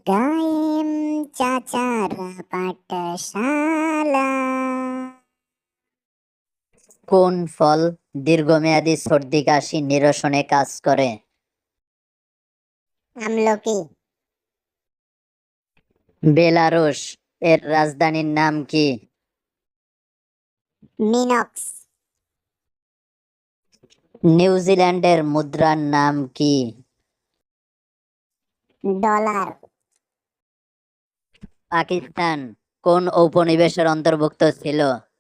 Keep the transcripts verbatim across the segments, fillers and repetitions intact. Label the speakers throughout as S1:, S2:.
S1: গায়েম চাচারা পাঠশালা।
S2: কোন ফল দীর্ঘমেয়াদী সর্দি কাশি নিরসনে কাজ করে?
S1: আমলকি।
S2: বেলারুশ এর রাজধানীর নাম কি?
S1: মিনক্স।
S2: নিউজিল্যান্ডের মুদ্রার নাম কি?
S1: ডলার।
S2: পাকিস্তান কোন উপনিবেশের অন্তর্ভুক্ত ছিল?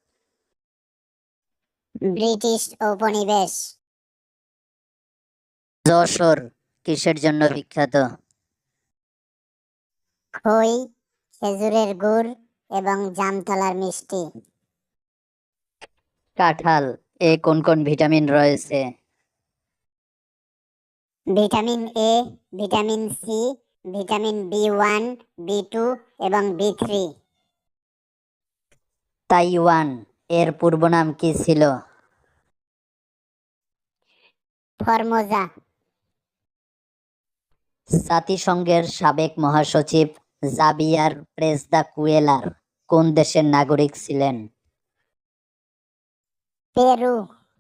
S1: ব্রিটিশ উপনিবেশ।
S2: যশোর কিসের জন্য বিখ্যাত?
S1: খই, খেজুরের গুড় এবং জামতলার মিষ্টি।
S2: কাঁঠাল এ কোন কোন ভিটামিন রয়েছে?
S1: Vitamin A, vitamin C, vitamin B one, B two এবং বি থ্রি।
S2: তাইওয়ান এর পূর্ব নাম কি ছিল?
S1: ফরমোজা।
S2: জাতিসংঘের সাবেক মহাসচিব জাবিয়ার প্রেসদা কুয়েলার কোন দেশের নাগরিক ছিলেন?
S1: পেরু।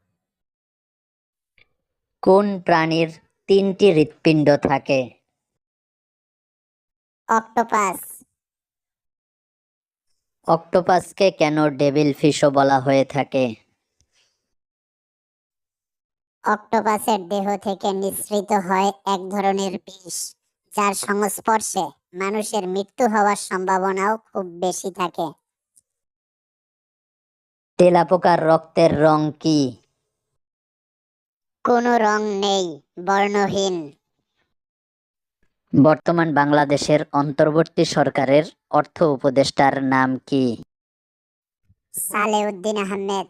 S2: কোন প্রাণীর তিনটি হৃৎপিণ্ড থাকে?
S1: অক্টোপাস।
S2: অক্টোপাসকে কেন ডেভিল ফিশও বলা হয়ে থাকে?
S1: অক্টোপাসের দেহ থেকে নিঃসৃত হয় এক ধরনের বিষ, যার সংস্পর্শে মানুষের মৃত্যু হওয়ার সম্ভাবনাও খুব বেশি থাকে।
S2: তেলাপোকার রক্তের রং কি?
S1: কোনো রং নেই, বর্ণহীন।
S2: বর্তমান বাংলাদেশের অন্তর্বর্তী সরকারের অর্থ উপদেষ্টার নাম কি?
S1: সালেউদ্দিন আহমেদ।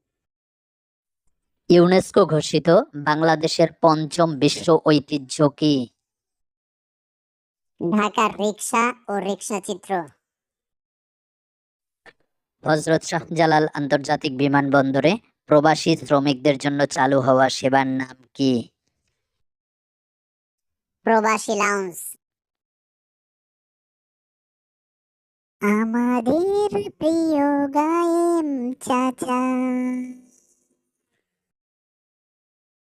S2: ইউনেস্কো ঘোষিত বাংলাদেশের পঞ্চম বিশ্ব ঐতিহ্য কি?
S1: ঢাকার রিকশা ও রিকশা চিত্র।
S2: হযরত শাহজালাল আন্তর্জাতিক বিমানবন্দরে প্রবাসী শ্রমিকদের জন্য চালু হওয়া সেবার নাম কি?
S1: প্রবাসী লাউঞ্জ। আমাদের প্রিয় গায়েম চাচা।